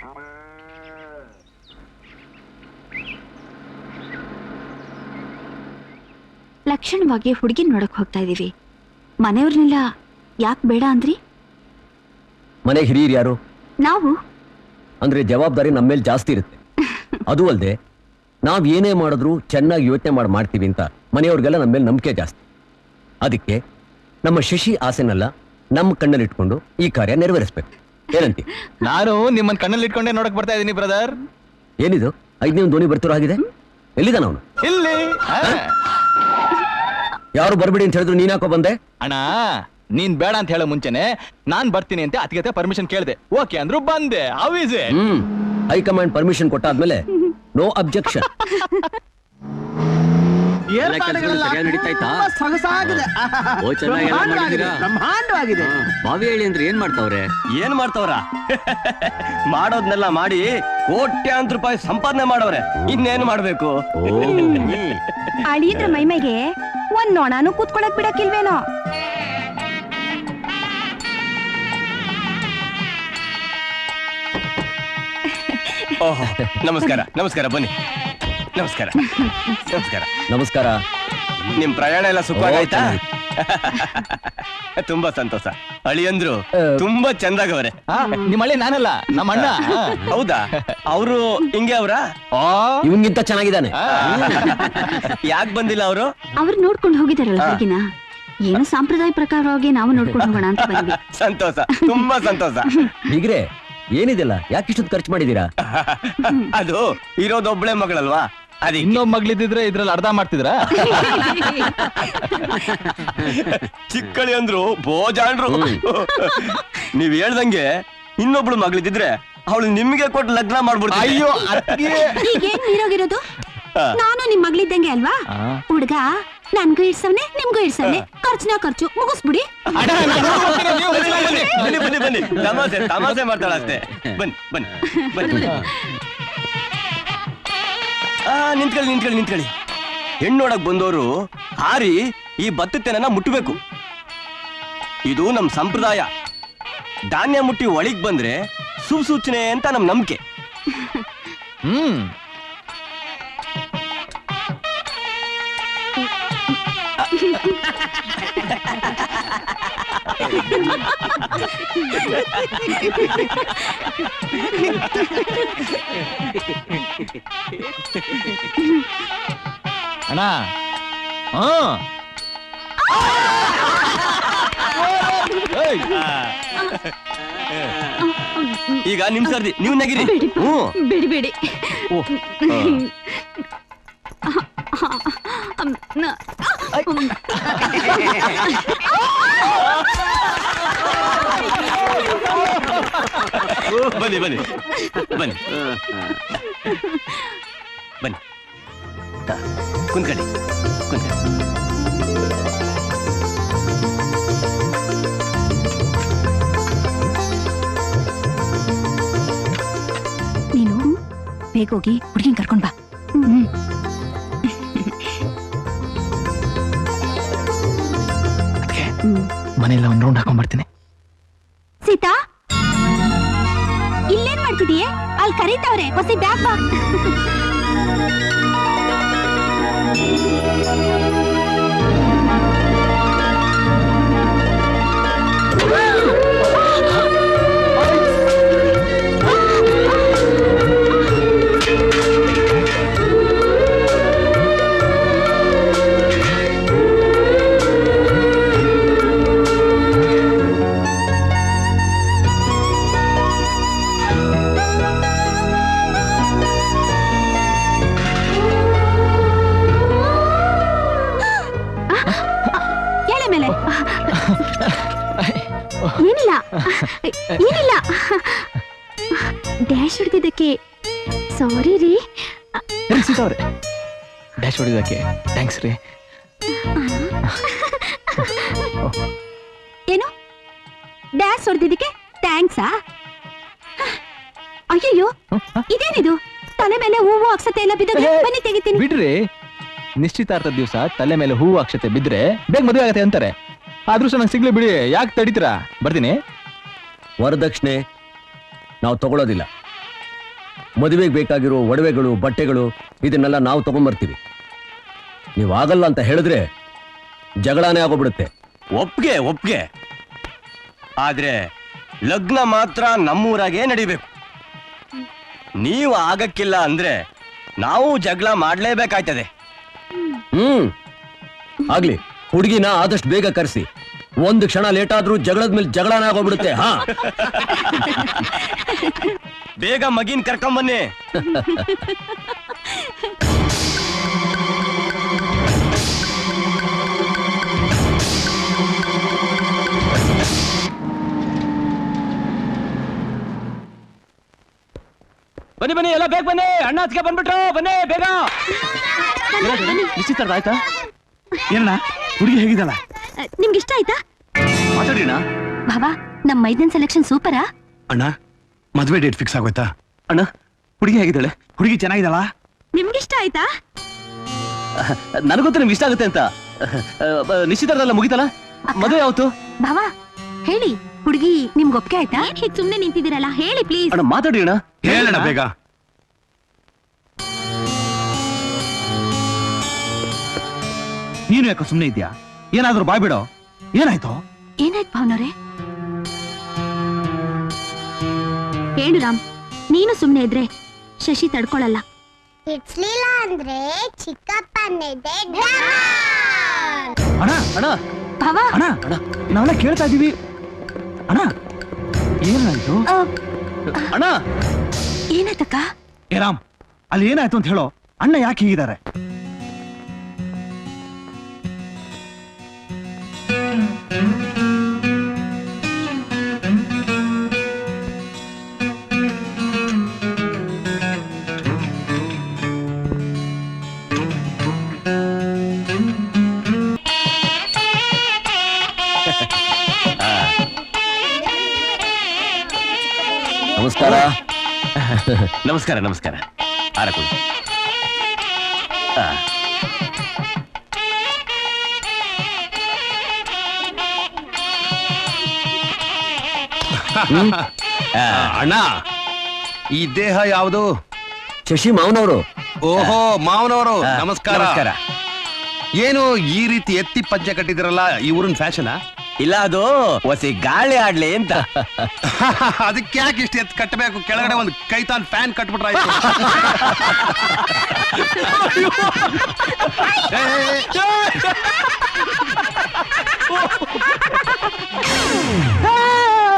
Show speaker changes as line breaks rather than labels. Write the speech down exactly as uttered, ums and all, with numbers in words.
ಲಕ್ಷಣವಾಗಿ ಹುಡುಗಿ ನೋಡಕ್ ಹೋಗ್ತಾ ಇದೀವಿ. ಮನೆಯವ್ರನ್ನೆಲ್ಲ ಯಾಕೆ ಬೇಡ ಅಂದ್ರಿ?
ಮನೆ ಹಿರಿಯರು ಯಾರು?
ನಾವು.
ಅಂದ್ರೆ ಜವಾಬ್ದಾರಿ ನಮ್ಮ ಮೇಲೆ ಜಾಸ್ತಿ ಇರುತ್ತೆ. ಅದು ಅಲ್ಲದೆ ನಾವ್ ಏನೇ ಮಾಡಿದ್ರು ಚೆನ್ನಾಗಿ ಯೋಚನೆ ಮಾಡಿ ಮಾಡ್ತೀವಿ ಅಂತ ಮನೆಯವ್ರಿಗೆಲ್ಲ ನಮ್ಮ ಮೇಲೆ ನಂಬಿಕೆ ಜಾಸ್ತಿ. ಅದಕ್ಕೆ ನಮ್ಮ ಶಶಿ ಆಸೆನೆಲ್ಲ ನಮ್ಮ ಕಣ್ಣಲ್ಲಿ ಇಟ್ಕೊಂಡು ಈ ಕಾರ್ಯ ನೆರವೇರಿಸ್ಬೇಕು. ಏನಂತಿ?
ನಾನು ನಿಮ್ಮನ್ನ ಕಣ್ಣಲ್ಲಿ ಇಟ್ಕೊಂಡೇ ನೋಡಕ್ ಬರ್ತಾ ಇದೀನಿ ಬ್ರದರ್.
ಏನಿದು ಐದನೇ ಧ್ವನಿ ಬರ್ತಿರೋ ಆಗಿದೆ? ಎಲ್ಲಿದ್ದಾನ ಅವನು?
ಇಲ್ಲಿ.
ಯಾರು ಬರ್ಬೇಡಿ ಅಂತ ಹೇಳಿದ್ರು ನೀನ್ ಯಾಕೋ ಬಂದೆ?
ಅಣ್ಣ ನೀನ್ ಬೇಡ ಅಂತ ಹೇಳೋ ಮುಂಚೆನೆ ನಾನ್ ಬರ್ತೀನಿ ಅಂತ ಅತಿಗೆ ಪರ್ಮಿಷನ್ ಕೇಳಿದೆ. ಓಕೆ ಅಂದ್ರು ಬಂದೆ. How is it?
Hmm high command permission ಕೊಟ್ಟಾದ್ಮೇಲೆ ನೋ ಅಬ್ಜೆಕ್ಷನ್.
ಬಾವಿ ಹೇಳಿ ಅಂದ್ರೆ ಏನ್ ಮಾಡ್ತಾವ್ರೆ?
ಏನ್ ಮಾಡ್ತಾವ್ರ? ಮಾಡೋದ್ನೆಲ್ಲ ಮಾಡಿ ಕೋಟ್ಯಾಂತರ ರೂಪಾಯಿ ಸಂಪಾದನೆ ಮಾಡವ್ರೆ. ಇನ್ನೇನು ಮಾಡ್ಬೇಕು?
ಅಳಿಯದ್ರ ಮೈಮೆಗೆ ಒಂದ್ ನೊಣಾನು ಕೂತ್ಕೊಳಕ್ ಬಿಡಕ್ಕಿಲ್ವೇನೋ?
ಓಹೋ ನಮಸ್ಕಾರ ನಮಸ್ಕಾರ. ಬನ್ನಿ. ನಮಸ್ಕಾರ ನಮಸ್ಕಾರ ನಮಸ್ಕಾರ. ನಿಮ್ ಪ್ರಯಾಣ ಎಲ್ಲ ಸುಖವಾಗಾಯ್ತಾ? ತುಂಬಾ ಸಂತೋಷ. ಅಳಿಯಂದ್ರು ತುಂಬಾ ಚಂದಾಗವ್ರೆ.
ನಿಮ್ಮ ಅಳಿ ನಾನಲ್ಲ, ನಮ್ಮ ಅಣ್ಣ.
ಹೌದಾ? ಅವರು ಹಿಂಗೆ ಅವ್ರ? ಇವನ್ಗಿಂತ ಚೆನ್ನಾಗಿದ್ದಾನೆ. ಯಾಕೆ ಬಂದಿಲ್ಲ ಅವರು?
ಅವ್ರು ನೋಡ್ಕೊಂಡು ಹೋಗಿದಾರಲ್ಲ ಹುಡುಗಿನ. ಏನು ಸಾಂಪ್ರದಾಯ ಪ್ರಕಾರವಾಗಿ ನಾವು ನೋಡ್ಕೊಂಡು ಹೋಗೋಣ ಅಂತ ಬಂದ್ವಿ.
ಸಂತೋಷ, ತುಂಬಾ ಸಂತೋಷ. ಹೀಗ್ರೆ ಏನಿದೆಲ್ಲ ಯಾಕೆ ಇಷ್ಟೊಂದು ಖರ್ಚು ಮಾಡಿದೀರಾ? ಅದು ಇರೋದೊಬ್ಳೆ ಮಗಳಲ್ವಾ? ಅದ
ಇನ್ನೊಬ್ಬ ಮಗಳಿದ್ರೆ ಇದ್ರಲ್ಲಿ ಅರ್ಧ ಮಾಡ್ತಿದ್ರ?
ಚಿಕ್ಕಳಿ ಅಂದ್ರು ಬೋಜಾಂಡ್ರು. ನೀವ್ ಹೇಳ್ದಂಗೆ ಇನ್ನೊಬ್ಳು ಮಗಳಿದ್ರೆ ಅವಳು ನಿಮ್ಗೆ ಕೊಟ್ಟು ಲಗ್ನ ಮಾಡ್ಬಿಡ್ತೀನಿ.
ಅಯ್ಯೋ
ಈಗೇನ್ ನೀರೋಗಿರೋದು? ನಾನು ನಿಮ್ ಮಗಳಿದ್ದಂಗೆ ಅಲ್ವಾ? ಹುಡ್ಗ ನನ್ಗೂ ಇಡ್ಸವ್ನೆ ನಿಮ್ಗೂ ಇಡ್ಸವ್ನೆ. ಖರ್ಚುನ ಖರ್ಚು ಮುಗಿಸ್ಬಿಡಿ.
ಬನ್ನಿ ಬನ್ನಿ ಬನ್ನಿ. ತಮಾಸೆ ತಮಾಸೆ ಮಾಡ್ತಾಳ ಅಷ್ಟೇ. ಬನ್ನಿ ಬನ್ನಿ ಬನ್ನಿ. ಆ ನಿಂತ್ಕೊಳ್ಳಿ ನಿಂತ್ಕೊಳ್ಳಿ ನಿಂತ್ಕೊಳ್ಳಿ. ಹೆಣ್ಣೋಡಕ್ ಬಂದವರು ಹಾರಿ ಈ ಭತ್ತತೆನ ಮುಟ್ಟಬೇಕು. ಇದು ನಮ್ ಸಂಪ್ರದಾಯ. ಧಾನ್ಯ ಮುಟ್ಟಿ ಒಳಗ್ ಬಂದ್ರೆ ಶುಭ ಸೂಚನೆ ಅಂತ ನಮ್ ನಂಬಿಕೆ.
ಹ್ಮ್ ಅಣ್ಣ.
ಈಗ ನಿಮ್ ಸರ್ದಿ, ನೀವು ನಗಿರಿ.
ಬಿಡಿ ಬಿಡಿ.
ಬನ್ನಿ ಬನ್ನಿ ಬನ್ನಿ ಬನ್ನಿ. ಕುಂತ್ಕೊಳ್ಳಿ ಕುಂತ್ಕೊಳ್ಳಿ.
ನೀನು ಬೇಗ ಹೋಗಿ ಹುಡುಗಿನ ಕರ್ಕೊಂಡ್ ಬಾ. ಹ್ಮ್
ಮನೆಯಲ್ಲ ಒಂದ್ ರೌಂಡ್ ಹಾಕೊಂಡ್ ಬರ್ತೀನಿ.
ಸೀತಾ, ಇಲ್ಲೇನ್ ಮಾಡ್ತಿದೀಯೇ? ಅಲ್ಲಿ ಕರೀತಾವ್ರೆ, ಹೊಸಿ ಬ್ಯಾಗ್ ಬಾ. ಏನಿಲ್ಲ ಏನಿಲ್ಲ. ಡ್ಯಾಶ್ ಹೊಡೆದಿದ್ದಕ್ಕೆ ಸಾರಿ ರೀ.
ಅವ್ರೆ ಡ್ಯಾಶ್ ಹೊಡೆದಕ್ಕೆ ಥ್ಯಾಂಕ್ಸ್ ರೀ.
ಏನು ಡ್ಯಾಶ್ ಹೊಡೆದಿದ್ದಕ್ಕೆ ಥ್ಯಾಂಕ್ಸಾ? ಅಯ್ಯಯ್ಯೋ ಇದೇನಿದು? ತಲೆ ಮೇಲೆ ಹೂವು ಅಕ್ಷತೆ ಎಲ್ಲ ಬಿದ್ದ. ಬನ್ನಿ ತೆಗಿತೀನಿ.
ಬಿಡ್ರಿ, ನಿಶ್ಚಿತಾರ್ಥದ ದಿವಸ ತಲೆ ಮೇಲೆ ಹೂವು ಅಕ್ಷತೆ ಬಿದ್ರೆ ಬೇಗ ಮದುವೆ ಆಗತ್ತೆ ಅಂತಾರೆ. ಆದ್ರೂ ನಂಗೆ ಸಿಗ್ಲಿ ಬಿಡಿ, ಯಾಕೆ ತಡೀತೀರಾ? ಬರ್ತೀನಿ.
ವರದಕ್ಷಿಣೆ ನಾವು ತಗೊಳ್ಳೋದಿಲ್ಲ. ಮದುವೆಗೆ ಬೇಕಾಗಿರೋ ಒಡವೆಗಳು ಬಟ್ಟೆಗಳು ಇದನ್ನೆಲ್ಲ ನಾವು ತಗೊಂಡ್ಬರ್ತೀವಿ. ನೀವು ಆಗಲ್ಲ ಅಂತ ಹೇಳಿದ್ರೆ ಜಗಳಾನೇ ಆಗೋಗ್ಬಿಡುತ್ತೆ.
ಒಪ್ಗೆ ಒಪ್ಗೆ ಆದ್ರೆ ಲಗ್ನ ಮಾತ್ರ ನಮ್ಮೂರಾಗೆ ನಡಿಬೇಕು. ನೀವು ಆಗಕ್ಕಿಲ್ಲ ಅಂದ್ರೆ ನಾವು ಜಗಳ ಮಾಡ್ಲೇಬೇಕಾಯ್ತದೆ.
ಹ್ಮ್ ಆಗ್ಲಿ, ಹುಡುಗಿನ ಆದಷ್ಟು ಬೇಗ ಕರೆಸಿ. ಒಂದು ಕ್ಷಣ ಲೇಟ್ ಆದ್ರೂ ಜಗಳದ ಮೇಲೆ ಜಗಳಾನೇ ಆಗೋಗ್ಬಿಡುತ್ತೆ. ಹಾ
ಬೇಗ ಮಗಿನ್ ಕರ್ಕೊಂಬನ್ನಿ.
ಬನ್ನಿ ಬನ್ನಿ ಎಲ್ಲ ಬೇಗ ಬನ್ನಿ, ಅಣ್ಣ ಅತ್ತಿಗೆ ಬಂದ್ಬಿಟ್ರು, ಬನ್ನಿ ಬೇಗ. ನಿಶ್ಚಿತಾರ್ಥ ಆಯ್ತಾ?
ಏನಣ್ಣ ಹುಡುಗಿ ಹೇಗಿದ್ದಲ್ಲ?
ನಿಮ್ಗೆ ಇಷ್ಟ ಆಯ್ತಾ?
ಮಾತಾಡಿಣ.
ಬಾಬಾ, ನಮ್ ಮೈದನ್ ಸೆಲೆಕ್ಷನ್ ಸೂಪರಾ?
ಅಣ್ಣ ಮದ್ವೆ ಡೇಟ್ ಫಿಕ್ಸ್ ಆಗೋಯ್ತಾ?
ಅಣ್ಣ ಹುಡುಗಿ ಹೇಗಿದ್ದಾಳೆ?
ಹುಡುಗಿ ಚೆನ್ನಾಗಿದಲ್ಲ?
ನಿಮ್ಗೆ ಇಷ್ಟ ಆಯ್ತಾ?
ನನಗೊತ್ತು ನಿಮ್ಗೆ ಇಷ್ಟ ಆಗುತ್ತೆ ಅಂತ. ನಿಶ್ಚಿತಾರ್ಥ ಮುಗಿತಲ್ಲ, ಮದುವೆ ಯಾವತ್ತು?
ಬಾಬಾ ಹೇಳಿ, ಹುಡುಗಿ ನಿಮ್ಗೆ ಒಪ್ಪಿಗೆ ಆಯ್ತಾ? ಹೀಗ್ ಸುಮ್ನೆ ನಿಂತಿದ್ದೀರಲ್ಲ, ಹೇಳಿ ಪ್ಲೀಸ್.
ಅಣ್ಣ ಮಾತಾಡಿ ಅಣ್ಣ.
ಹೇಳಣ್ಣ ಬೇಗ. ನೀನು ಯಾಕೋ ಸುಮ್ನೆ ಇದ್ಯಾ? ಏನಾದ್ರೂ ಬಾಯ್ ಬಿಡೋ. ಏನಾಯ್ತು?
ಏನಾಯ್ತು ಭಾವನವ್ರೆ? ಹೇಳು ರಾಮ್, ನೀನು ಸುಮ್ನೆ ಇದ್ರೆ ಶಶಿ ತಡ್ಕೊಳಲ್ಲ.
ಇಡ್ಸ್ಲಿಲ್ಲ ಅಂದ್ರೆ ಚಿಕ್ಕಪ್ಪನಿದೆ.
ಅಣ್ಣ
ಅಣ್ಣ
ಭಾವಾ,
ಅಣ್ಣ ನಾವೆಲ್ಲ ಕೇಳ್ತಾ ಇದೀವಿ. ಅಣ್ಣ ಏನಾಯ್ತು?
ಆ,
ಅಣ್ಣ
ಏನಾಯ್ತಕ್ಕ?
ಏ ರಾಮ್, ಅಲ್ಲಿ ಏನಾಯ್ತು ಅಂತ ಹೇಳೋ. ಅಣ್ಣ ಯಾಕೆ ಹೀಗಿದ್ದಾರೆ?
ನಮಸ್ಕಾರ.
ನಮಸ್ಕಾರ ನಮಸ್ಕಾರ. ಆರಕು
ಅಣ್ಣ, ಈ ದೇಹ ಯಾವುದು?
ಶಶಿ ಮಾವನವರು.
ಓಹೋ, ಮಾವನವರು
ಆ,
ನಮಸ್ಕಾರ.
ನಮಸ್ಕಾರ.
ಏನು ಈ ರೀತಿ ಎತ್ತಿ ಪಂಚೆ ಕಟ್ಟಿದಿರಲ್ಲ, ಈ ಊರಿನ ಫ್ಯಾಷನಾ?
ಇಲ್ಲ, ಅದು ಹೊಸಿ ಗಾಳಿ ಆಡ್ಲಿ ಅಂತ.
ಅದಕ್ಕೆ ಯಾಕೆ ಇಷ್ಟು ಎತ್ತು ಕಟ್ಟಬೇಕು? ಕೆಳಗಡೆ ಒಂದು ಕೈತಾನ್ ಫ್ಯಾನ್ ಕಟ್ಬಿಟ್ರಾಯ್ತು. ಏ, ಏ, ಏ.